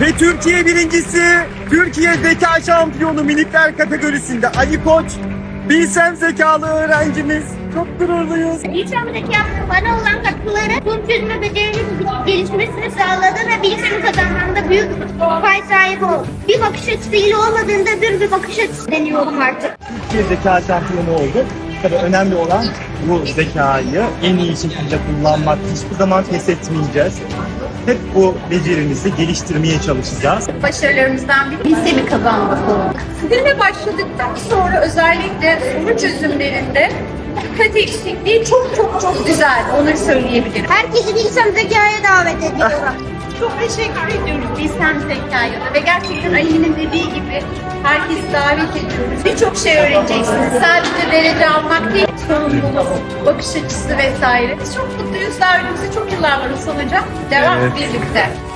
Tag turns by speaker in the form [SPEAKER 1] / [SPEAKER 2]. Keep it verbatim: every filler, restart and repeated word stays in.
[SPEAKER 1] Ve Türkiye birincisi, Türkiye Zeka Şampiyonu minikler kategorisinde Ali Koç, bilsem zekalı öğrencimiz. Çok gururluyuz.
[SPEAKER 2] Bilsem zekamın bana olan katkıları tüm çözme becerilerinin gelişmesini sağladı ve bilsemi kazanmamda büyük pay sahibi oldu. Bir bakış açısıyla olmadığında bir bir bakış açısı deniyorum artık.
[SPEAKER 1] Türkiye Zeka Şampiyonu oldu. Tabii önemli olan bu zekayı en iyi şekilde kullanmak. Hiçbir zaman pes etmeyeceğiz. Hep bu becerimizi geliştirmeye çalışacağız.
[SPEAKER 3] Başarılarımızdan biri bilsemi kazanmak oldu. Sizinle başladıktan sonra özellikle soru çözümlerinde dikkat eksikliği çok çok çok güzel. Onları söyleyebilirim.
[SPEAKER 2] Herkesi bilsem zekaya davet ediyorum.
[SPEAKER 3] Çok teşekkür ediyoruz Bilsem Zeka'ya da ve gerçekten Ali'nin dediği gibi herkesi davet ediyoruz. Birçok şey öğreneceksiniz. Sadece derece almak değil, sorumluluk, bakış açısı vesaire. Biz çok mutluyuz. Daha önümüzde çok yıllar var ıslanacak. Devam
[SPEAKER 1] Evet.
[SPEAKER 3] birlikte.